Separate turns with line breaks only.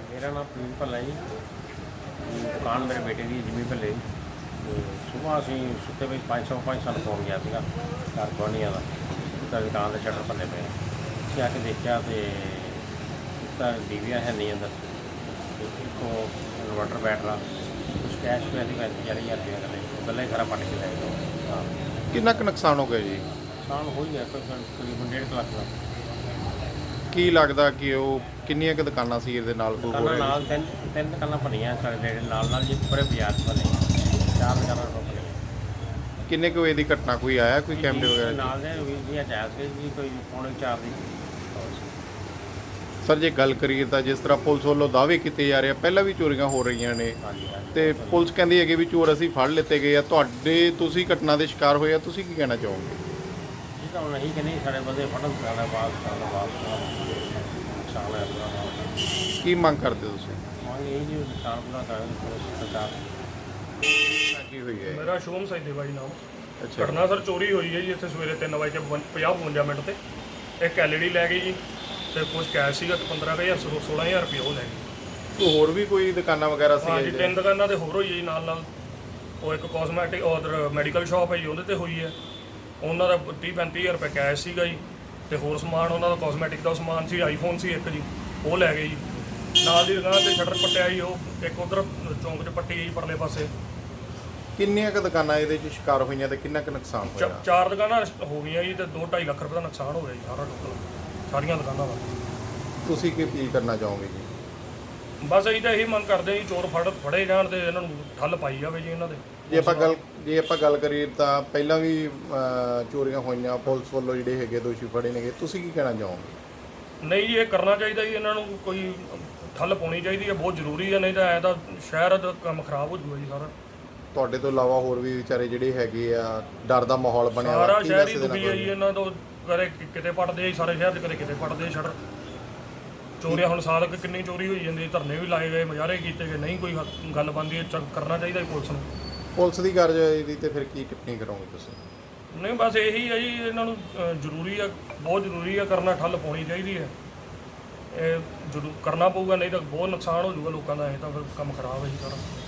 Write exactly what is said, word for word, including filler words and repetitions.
मेरा नाम प्रवीण भल्ला जी। दुकान मेरे बेटे की जिमी भल्ले। तो सुबह असी सुते पे पाँच सौ पाँच साल फोन गया था घर गुआढ़िया का उसका दुकान के शटर भले पे असी आके देखा तो उसका डीवीआर है नहीं अंदर तो एक इन्वर्टर बैटरा कुछ कैश पे अभी पैंती चाली हज़ार रुपया करें गले खरा पट के लै गए।
कितना कुछ नुकसान हो गया जी?
नुकसान हो ही गया तकरीबन डेढ़ कुछ लाख का।
ਕੀ ਲੱਗਦਾ ਕਿ ਉਹ ਕਿੰਨੀਆਂ ਕੁ ਦੁਕਾਨਾਂ ਸੀ ਇਹਦੇ ਨਾਲ ਕੋਈ
दुकाना
ਹੋਰ ਹੈ?
नाल तीन तीन दुकाना बनिया साढ़े नेड़े नाल नाल जी पूरे बाजार च बने चार दुकाना बने
ਕਿੰਨੇ ਕੁ ਵਜੇ ਦੀ ਘਟਨਾ ਕੋਈ ਆਇਆ ਕੋਈ ਕੈਮਰੇ ਵਗੈਰਾ 'ਚ?
नाल दे वीर जी अचायत के जी कोई पौने चार दी।
ਸਰ ਜੇ ਗੱਲ ਕਰੀਏ ਤਾਂ ਜਿਸ ਤਰ੍ਹਾਂ ਪੁਲਿਸ ਵੱਲੋਂ ਦਾਅਵੇ ਕੀਤੇ ਜਾ ਰਹੇ ਆ ਪਹਿਲਾਂ ਵੀ ਚੋਰੀਆਂ ਹੋ ਰਹੀਆਂ ਨੇ
हाँ जी हाँ जी
ਤੇ ਪੁਲਿਸ ਕਹਿੰਦੀ ਹੈ ਕਿ ਵੀ ਚੋਰ ਅਸੀਂ ਫੜ ਲਿੱਤੇ ਗਏ ਆ, ਤੁਹਾਡੇ ਤੁਸੀਂ ਘਟਨਾ ਦੇ ਸ਼ਿਕਾਰ ਹੋਏ ਆ, ਤੁਸੀਂ ਕੀ ਕਹਿਣਾ ਚਾਹੋਗੇ?
ये तो नहीं कि नहीं साढ़े बंदे फटन साढ़े बाद साढ़े बाद नुकसान है पूरा
ਕੀ ਮੰਗ ਕਰਦੇ ਤੁਸੀਂ?
मांग यही जी नुकसान पूरा करें पुलिस सरकार।
ਕੀ ਹੋਈ ਹੈ?
ਮੇਰਾ ਸ਼ੋਮ ਸੈਦੇਵਾ ਜੀ ਨਾਮ।
ਅੱਛਾ
ਘਟਨਾ ਸਰ ਚੋਰੀ ਹੋਈ ਹੈ ਜੀ ਇੱਥੇ ਸਵੇਰੇ ਤਿੰਨ ਵਜੇ ਪੰਜਾਹ ਬਵੰਜਾ ਮਿੰਟ ਤੇ ਇੱਕ ਐਲਈਡੀ ਲੈ ਗਈ ਜੀ ਤੇ ਕੁਝ ਕੈਸ਼ ਸੀਗਾ ਤੇ ਪੰਦਰਾਂ ਕੁ ਹਜ਼ਾਰ ਸੋਲਾਂ ਹਜ਼ਾਰ ਰੁਪਏ ਉਹ ਲੈ ਗਈ।
ਕੋਈ ਹੋਰ ਵੀ ਕੋਈ ਦੁਕਾਨਾਂ ਵਗੈਰਾ ਸੀ?
ਹਾਂ ਜੀ ਤਿੰਨ ਦੁਕਾਨਾਂ ਤੇ ਹੋਰ ਹੋਈ ਹੈ ਜੀ ਨਾਲ ਨਾਲ। ਉਹ ਇੱਕ ਕਾਸਮੈਟਿਕ ਔਰ ਮੈਡੀਕਲ ਸ਼ਾਪ ਹੈ ਜੀ ਉਹਦੇ ਤੇ ਹੋਈ ਹੈ। ਉਹਨਾਂ ਦਾ ਤੀਹ ਪੈਂਤੀ ਹਜ਼ਾਰ ਰੁਪਏ ਕੈਸ਼ ਸੀਗਾ ਜੀ ਤੇ ਹੋਰ ਸਮਾਨ ਉਹਨਾਂ ਦਾ ਕਾਸਮੈਟਿਕ ਦਾ ਸਮਾਨ ਸੀ, ਆਈਫੋਨ ਸੀ ਇੱਕ ਜੀ ਉਹ ਲੈ ਗਏ ਜੀ। ਨਾਲ ਦੀ ਦੁਕਾਨ ਤੇ ਸ਼ਟਰ ਪੱਟਿਆ ਜੀ, ਉਹ ਇੱਕ ਉਧਰ ਚੌਂਕ 'ਚ ਪੱਟੀ ਗਈ ਪਰਲੇ ਪਾਸੇ।
ਕਿੰਨੀਆਂ ਕੁ ਦੁਕਾਨਾਂ ਇਹਦੇ 'ਚ ਸ਼ਿਕਾਰ ਹੋਈਆਂ ਤੇ ਕਿੰਨਾ ਕੁ ਨੁਕਸਾਨ
ਚ-
ਹੋਇਆ?
ਚਾਰ ਦੁਕਾਨਾਂ ਹੋ ਗਈਆਂ ਜੀ ਤੇ ਦੋ ਢਾਈ ਲੱਖ ਰੁਪਏ ਦਾ ਨੁਕਸਾਨ ਹੋ ਗਿਆ ਜੀ ਸਾਰਾ ਟੋਟਲ ਸਾਰੀਆਂ ਦੁਕਾਨਾਂ ਦਾ।
ਤੁਸੀਂ ਕੀ ਅਪੀਲ ਕਰਨਾ ਚਾਹੋਗੇ ਜੀ?
ਬਸ ਅਸੀਂ ਤਾਂ ਇਹੀ ਮੰਗ ਕਰਦੇ ਹਾਂ ਜੀ ਚੋਰ ਫੜ ਫੜੇ ਜਾਣ ਤੇ ਇਹਨਾਂ ਨੂੰ ਠੱਲ ਪਾਈ ਜਾਵੇ ਜੀ ਇਹਨਾਂ ਦੇ।
ਜੇ ਆਪਾਂ ਗੱਲ ਜੇ ਆਪਾਂ ਗੱਲ ਕਰੀਏ ਤਾਂ ਪਹਿਲਾਂ ਵੀ ਅਹ, ਚੋਰੀਆਂ ਹੋਈਆਂ, ਪੁਲਿਸ ਵੱਲੋਂ ਜਿਹੜੇ ਹੈਗੇ ਦੋਸ਼ੀ ਫੜੇ ਨੇਗੇ, ਤੁਸੀਂ ਕੀ ਕਹਿਣਾ ਚਾਹੋਗੇ?
ਨਹੀਂ ਜੀ ਇਹ ਕਰਨਾ ਚਾਹੀਦਾ ਜੀ, ਇਹਨਾਂ ਨੂੰ ਕੋਈ ਠੱਲ ਪਾਉਣੀ ਚਾਹੀਦੀ ਹੈ, ਬਹੁਤ ਜ਼ਰੂਰੀ ਹੈ, ਨਹੀਂ ਤਾਂ ਐਂ ਤਾਂ ਸ਼ਹਿਰ ਦਾ ਕੰਮ ਖਰਾਬ ਹੋ ਜੂਗਾ ਜੀ ਸਾਰਾ।
ਤੁਹਾਡੇ ਤੋਂ ਇਲਾਵਾ ਹੋਰ ਵੀ ਵਿਚਾਰੇ ਜਿਹੜੇ ਹੈਗੇ ਆ, ਡਰ ਦਾ ਮਾਹੌਲ ਬਣਿਆ ਵਾ,
ਸਾਰਾ
ਕੀ
ਸ਼ਹਿਰ ਹੀ
ਮੈਸੇਜ ਦੇਣਾ
ਦੁਖੀ ਹੈ ਜੀ
ਚਾਹੋਗੇ?
ਇਹਨਾਂ ਤੋਂ। ਕਦੇ ਕਿ- ਕਿਤੇ ਪੜਦੇ ਜੀ ਸਾਰੇ ਸ਼ਹਿਰ 'ਚ, ਕਦੇ ਕਿਤੇ ਪੜਦੇ ਸ਼ਟਰ ਚੋਰੀਆਂ। ਹੁਣ ਸਾਲ ਕੁ ਕਿੰਨੀ ਚੋਰੀ ਹੋਈ ਜਾਂਦੀ, ਧਰਨੇ ਵੀ ਲਾਏ ਗਏ, ਮੁਜ਼ਾਹਰੇ ਕੀਤੇ ਗਏ, ਨਹੀਂ ਕੋਈ ਹੱਲ- ਗੱਲ ਬਣਦੀ ਹੈ। ਚ- ਕਰਨਾ ਚਾਹੀਦਾ ਜੀ ਪੁਲਿਸ ਨੂੰ।
ਪੁਲਿਸ ਦੀ ਕਾਰਜਕਾਰੀ ਤੇ ਫਿਰ ਕੀ ਟਿੱਪਣੀ ਕਰੋਗੇ ਤੁਸੀਂ?
ਨਹੀਂ ਬਸ ਇਹੀ ਹੈ ਜੀ, ਇਹਨਾਂ ਨੂੰ ਅ, ਜ਼ਰੂਰੀ ਆ, ਬਹੁਤ ਜ਼ਰੂਰੀ ਆ ਕਰਨਾ, ਠੱਲ ਪਾਉਣੀ ਚਾਹੀਦੀ ਹੈ। ਇਹ ਜ਼ਰੂਰ ਕਰਨਾ ਪਊਗਾ, ਨਹੀਂ ਤਾਂ ਬਹੁਤ ਨੁਕਸਾਨ ਹੋ ਜਾਊਗਾ ਲੋਕਾਂ ਦਾ। ਇਹ ਤਾਂ ਫਿਰ ਕੰਮ ਖਰਾਬ ਹੈ ਜੀ ਸਾਰਾ।